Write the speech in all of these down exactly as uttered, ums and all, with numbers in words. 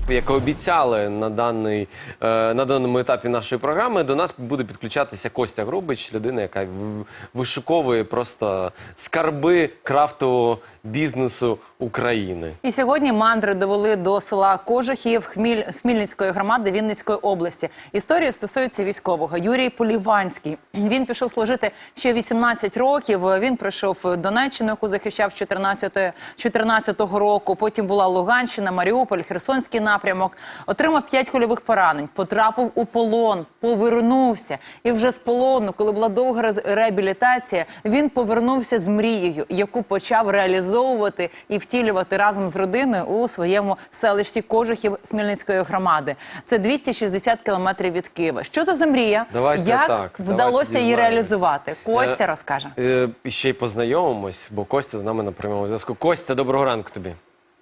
Як і обіцяли на, даний, е, на даному етапі нашої програми, до нас буде підключатися Костя Грубич, людина, яка вишуковує просто скарби крафтового бізнесу України. І сьогодні мандри довели до села Кожухів Хміль... Хмільницької громади Вінницької області. Історія стосується військового. Юрій Поліванський. Він пішов служити ще вісімнадцять років. Він прийшов в Донеччину, яку захищав з чотирнадцятого року. Потім була Луганщина, Маріуполь, Херсонський напрямок. Отримав п'ять кульових поранень, потрапив у полон, повернувся. І вже з полону, коли була довга реабілітація, він повернувся з мрією, яку почав реалізовувати і втілювати разом з родиною у своєму селищі Кожухів Хмельницької громади. Це двісті шістдесят кілометрів від Києва. Що це за мрія? Давайте Як так, вдалося її реалізувати? Костя е, розкаже. Е, і ще й познайомимось, бо Костя з нами на прямому зв'язку. Костя, доброго ранку тобі.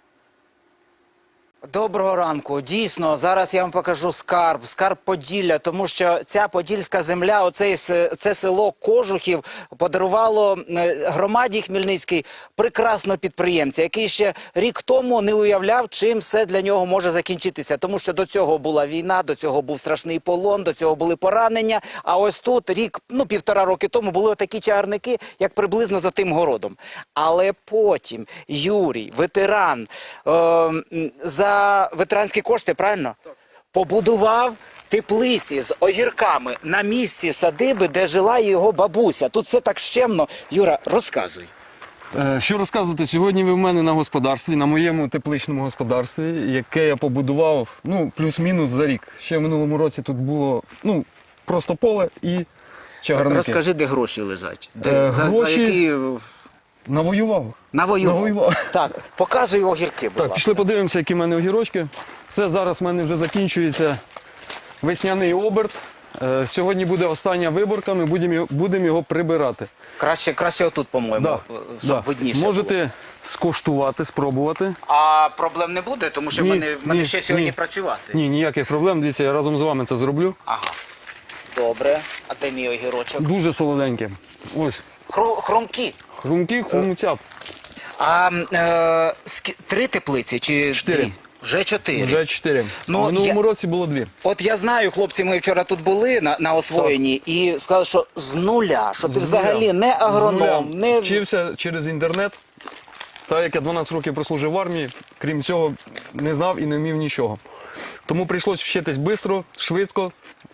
Доброго ранку. Дійсно, зараз я вам покажу скарб, скарб Поділля, тому що ця подільська земля, оце, це село Кожухів подарувало громаді Хмельницькій прекрасного підприємця, який ще рік тому не уявляв, чим все для нього може закінчитися. Тому що до цього була війна, до цього був страшний полон, до цього були поранення, а ось тут рік, ну півтора роки тому були такі чагарники, як приблизно за тим городом. Але потім Юрій, ветеран, е, за За ветеранські кошти, правильно? Так. Побудував теплиці з огірками на місці садиби, де жила його бабуся. Тут все так щемно. Юра, розказуй. Що розказувати? Сьогодні ви в мене на господарстві, на моєму тепличному господарстві, яке я побудував, ну, плюс-мінус за рік. Ще в минулому році тут було, ну, просто поле і чагарники. Розкажи, де гроші лежать. Де, Е, за, гроші... за які... Навоював. Навоював. Навоював. Так, показуй огірки, будь Так, ласка. пішли подивимося, які в мене огірочки. Це зараз в мене вже закінчується весняний оберт. Е, сьогодні буде остання виборка, ми будемо будемо його прибирати. Краще, краще отут, по-моєму, Да, щоб да. видніше Можете було. скуштувати, спробувати. А проблем не буде, тому що в Ні, мене, в мене ні, ще сьогодні ні. працювати. Ні, ніяких проблем. Дивіться, я разом з вами це зроблю. Ага. Добре. А де мій огірочок? Дуже солоденькі. Ось, Хру, хрумкі. хрумкі, хрумцят. А е, скі- три теплиці чи Чотири. дві? Вже чотири. Вже чотири. Ну, В минулому я- році було дві. От я знаю, хлопці, ми вчора тут були на, на освоєнні і сказали, що з нуля, що ти З взагалі нуля. не агроном, З нуля. не... Вчився через інтернет. Так як я дванадцять років прослужив в армії, крім цього, не знав і не вмів нічого. Тому прийшлося вчитись швидко, швидко.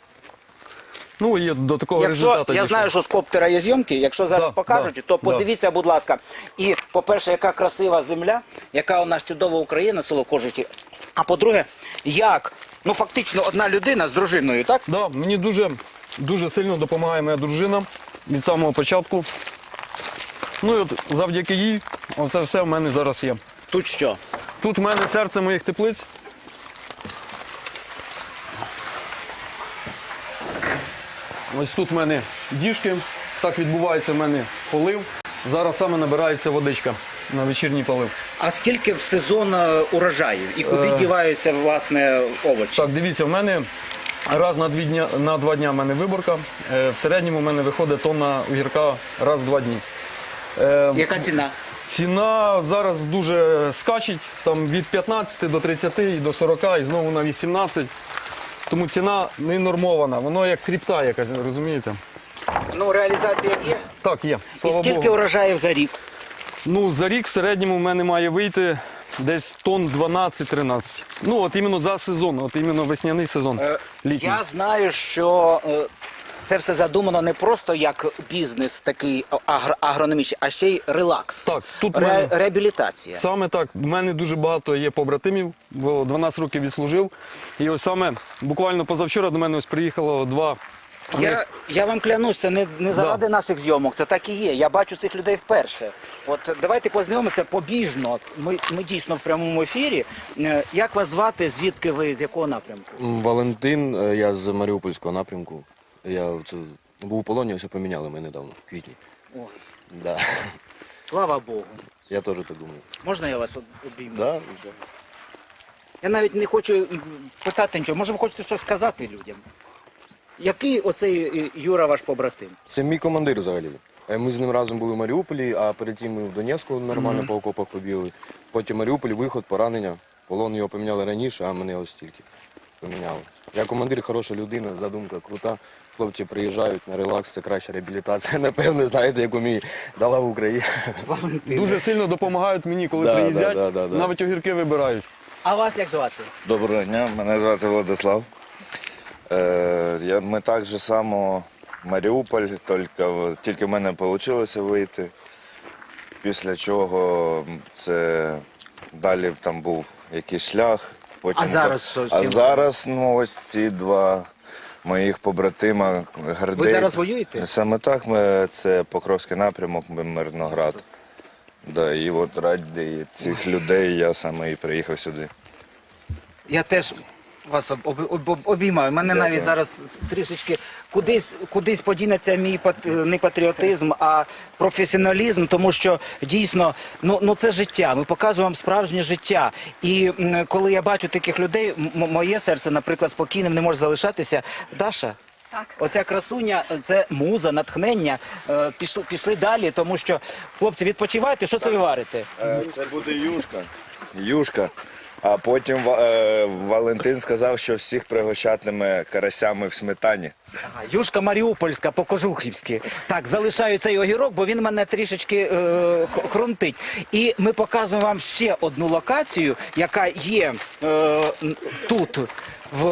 Ну і до такого Якщо, результату я дійшов. знаю, що з коптера є зйомки, якщо зараз Да, покажуть, да, то да. подивіться, будь ласка. І, по-перше, яка красива земля, яка у нас чудова Україна, село Кожухів. А по-друге, як, ну фактично, одна людина з дружиною, так? Да, мені дуже, дуже сильно допомагає моя дружина від самого початку. Ну і от завдяки їй, оце все в мене зараз є. Тут що? Тут в мене серце моїх теплиць. Ось тут в мене діжки, так відбувається в мене полив. Зараз саме набирається водичка на вечірній полив. А скільки в сезон е, урожаїв? І куди Е. діваються, власне, овочі? Так, дивіться, в мене раз на, дві дня, на два дня в мене виборка. Е, В середньому в мене виходить тонна огірка раз в два дні. Е, Яка ціна? Ціна зараз дуже скачить, там від п'ятнадцяти до тридцяти і до сорока, і знову на вісімнадцять. Тому ціна не нормована, воно як кріпта якась, розумієте? Ну, реалізація є. Так, є, слава І скільки Богу. урожаїв за рік? Ну, за рік в середньому в мене має вийти десь тонн дванадцять-тринадцять. Ну, от іменно за сезон, от іменно весняний сезон, літній. Я знаю, що е, це все задумано не просто як бізнес такий агр- агрономічний, а ще й релакс. Так, тут Ре- мене- реабілітація. Саме так. У мене дуже багато є побратимів, бо дванадцять років відслужив. І ось саме буквально позавчора до мене ось приїхало два. Я, я вам клянусь, це не, не заради наших зйомок, це так і є. Я бачу цих людей вперше. От давайте познайомимося побіжно. Ми, ми дійсно в прямому ефірі. Е, Як вас звати, звідки ви, з якого напрямку? Валентин, е, я з Маріупольського напрямку. Я це, був у полоні, ось поміняли мене недавно, в квітні. О, Да. слава Богу. Я теж так думаю. Можна я вас об- обійму? Да? Я навіть не хочу м, питати нічого. Може, ви хочете щось сказати людям? Який оцей е, Юра ваш побратим? Це мій командир взагалі. Е, Ми з ним разом були в Маріуполі, а перед цим ми в Донецьку нормально по окопах побігли. Потім Маріуполь, виход, поранення. Полон його поміняли раніше, а мене ось тільки поміняли. Я командир, хороша людина, задумка крута. Хлопці приїжджають на релакс, це краща реабілітація. Напевно, знаєте, яку мені дала в Україні. Дуже сильно допомагають мені, коли Да, приїздять, да, да, да. навіть огірки вибирають. А вас як звати? Доброго дня, мене звати Владислав. Е, я, ми так же само Маріуполь, тільки, тільки в мене вийшло вийти. Після чого це далі там був якийсь шлях. Потім, А зараз що? А Чим? зараз ну, ось ці два моїх побратима Гардей. Ви зараз воюєте? Саме так, ми, це Покровський напрямок, Мирноград. Да, і от раді цих людей я саме і приїхав сюди. Я теж вас об, об, об, обіймаю. Мене Дякую. навіть зараз трішечки кудись, кудись подінеться мій пат- не патріотизм, а професіоналізм, тому що дійсно, ну, ну це життя. Ми показуємо вам справжнє життя. І м, коли я бачу таких людей, м- моє серце, наприклад, спокійним не може залишатися. Даша? Так. Оця красуня, це муза, натхнення. Е, Пішли, пішли далі, тому що, хлопці, відпочивайте, що це ви варите? Е, Це буде юшка. Юшка. А потім Ва- е, Валентин сказав, що всіх пригощатиме карасями в сметані. Ага, Юшка Маріупольська, по-кожухівськи. Так, залишаю цей огірок, бо він мене трішечки е, х- хрумтить. І ми показуємо вам ще одну локацію, яка є е, н- тут, в,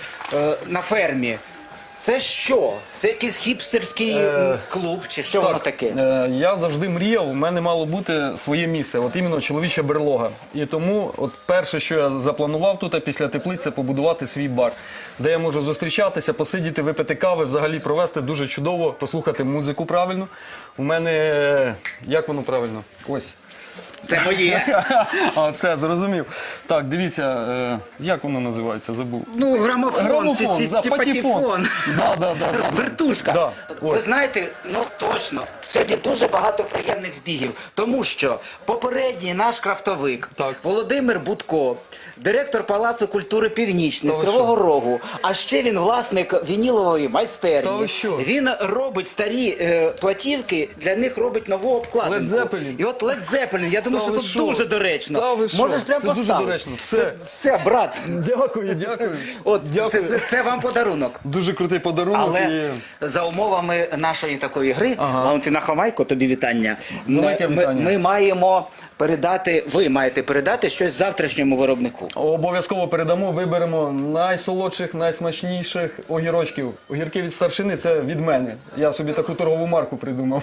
е, на фермі. Це що? Це якийсь хіпстерський Е, клуб, чи що воно таке? Е, Я завжди мріяв, в мене мало бути своє місце, от іменно чоловіча берлога. І тому от перше, що я запланував тут, а після теплиць, це побудувати свій бар, де я можу зустрічатися, посидіти, випити кави, взагалі провести дуже чудово, послухати музику правильно. У мене, е, як воно правильно? Ось. Це моє. А, все, зрозумів. Так, дивіться, е, як воно називається, забув. Ну, грамофон, Грамофон, чи, чи, да, чи патефон. патефон. Да, да, да, да. Вертушка. Да, Ви ось. знаєте, ну точно, сьогодні дуже багато приємних збігів, тому що попередній наш крафтовик Так. Володимир Будко, директор Палацу культури Північний з Та ви Кривого Рогу, а ще він власник вінілової Та майстерні. ви що? Він робить старі е, платівки, для них робить нову обкладинку. Led Zeppelin. І от Led Zeppelin, я думаю, Та що ви тут що? дуже доречно. Та ви що? Можеш прямо Це дуже поставити. доречно. Все. Це, все, брат. Дякую, дякую. От Дякую. це, це, це вам подарунок. Дуже крутий подарунок. Але і... за умовами нашої такої гри, Ага. Валентина Хомайко, тобі вітання. Велике Ми, вітання. ми маємо передати, ви маєте передати щось завтрашньому виробнику. Обов'язково передамо, виберемо найсолодших, найсмачніших огірочків. Огірки від старшини – це від мене. Я собі таку торгову марку придумав.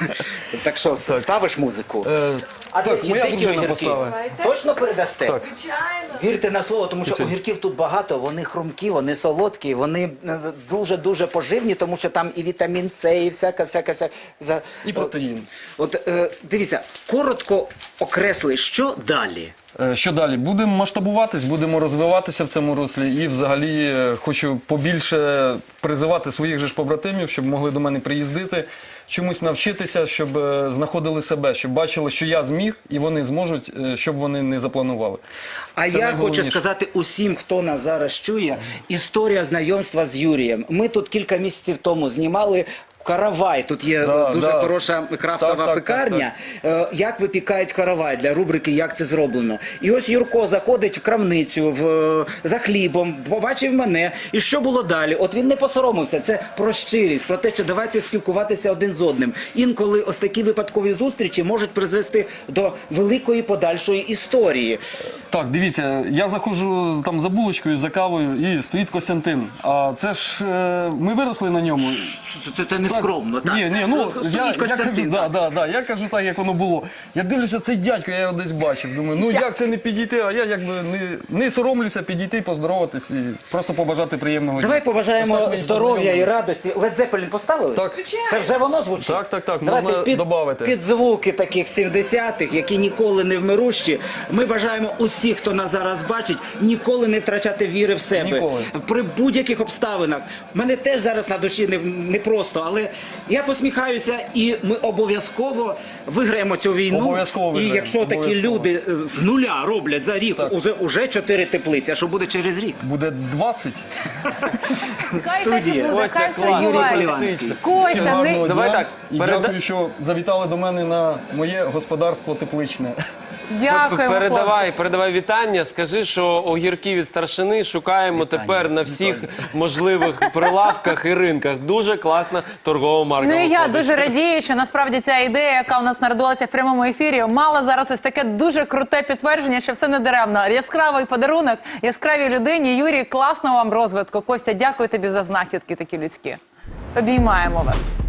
Так що, ставиш музику? Е, А так, де, моя де ті дружина огірки? поставить. Точно передасте? Так. Вірте на слово, тому що Це- огірків тут багато, вони хрумкі, вони солодкі, вони е, дуже-дуже поживні, тому що там і вітамін С, і всяка, всяка, всяка. за- І протеїн. От е, дивіться, коротко окресли, що далі? Е, Що далі? Будемо масштабуватись, будемо розвиватися в цьому руслі і взагалі е, хочу побільше призивати своїх же ж побратимів, щоб могли до мене приїздити, чомусь навчитися, щоб е, знаходили себе, щоб бачили, що я зміг і вони зможуть, е, щоб вони не запланували. А Це я хочу найголовніше. сказати усім, хто нас зараз чує, історія знайомства з Юрієм. Ми тут кілька місяців тому знімали каравай. Тут є Да, е, дуже да. хороша крафтова Так, так, пекарня. Е, Як випікають каравай для рубрики «Як це зроблено». І ось Юрко заходить в крамницю в, е, за хлібом, побачив мене. І що було далі? От він не посоромився. Це про щирість, про те, що давайте спілкуватися один з одним. Інколи ось такі випадкові зустрічі можуть призвести до великої подальшої історії. Так, дивіться, я заходжу там за булочкою, за кавою і стоїть Костянтин. А це ж е, ми виросли на ньому. Це, це, це не скромно, так? Ні, ні, ну я, я кажу, Костянтин, да, да, да, я кажу так, як воно було. Я дивлюся, цей дядько, я його десь бачив. Думаю, ну як це не підійти, а я якби не, не соромлюся підійти, поздороватись і просто побажати приємного Давай дня. побажаємо Ось так ми здоров'я і познайомились. радості. Led Zeppelin поставили? Так. Це вже воно звучить? Так, так, так, Давайте можна під, добавити. під звуки таких сімдесятих, які ніколи не вмирущі. Ми бажаємо усіх, хто нас зараз бачить, ніколи не втрачати віри в себе. Ніколи. При будь-яких обставинах. Мене теж зараз на душі не, не просто, але знаєте, я посміхаюся, і ми обов'язково виграємо цю війну. Обов'язково І виграємо, якщо такі обов'язково. люди е, з нуля роблять за рік Так. уже, уже чотири теплиці, а що буде через рік? Буде двадцять. Хай так і Студія. буде, Костя, хай все клас. Юрій збувається. Поліванський. Костя, не... Гарного Давай дня. так, І переда- дякую, що завітали до мене на моє господарство тепличне. дякуємо, Передавай, хлопці. передавай вітання. Скажи, що огірки від старшини шукаємо тепер на всіх можливих прилавках і ринках. Дуже класна торгова марка. Ну і я виходить. дуже радію, що насправді ця ідея, яка у нас народилася в прямому ефірі, мала зараз ось таке дуже круте підтвердження, що все не даремно. Яскравий подарунок, яскравій людині. Юрій, класного вам розвитку. Костя, дякую тобі за знахідки такі людські. Обіймаємо вас.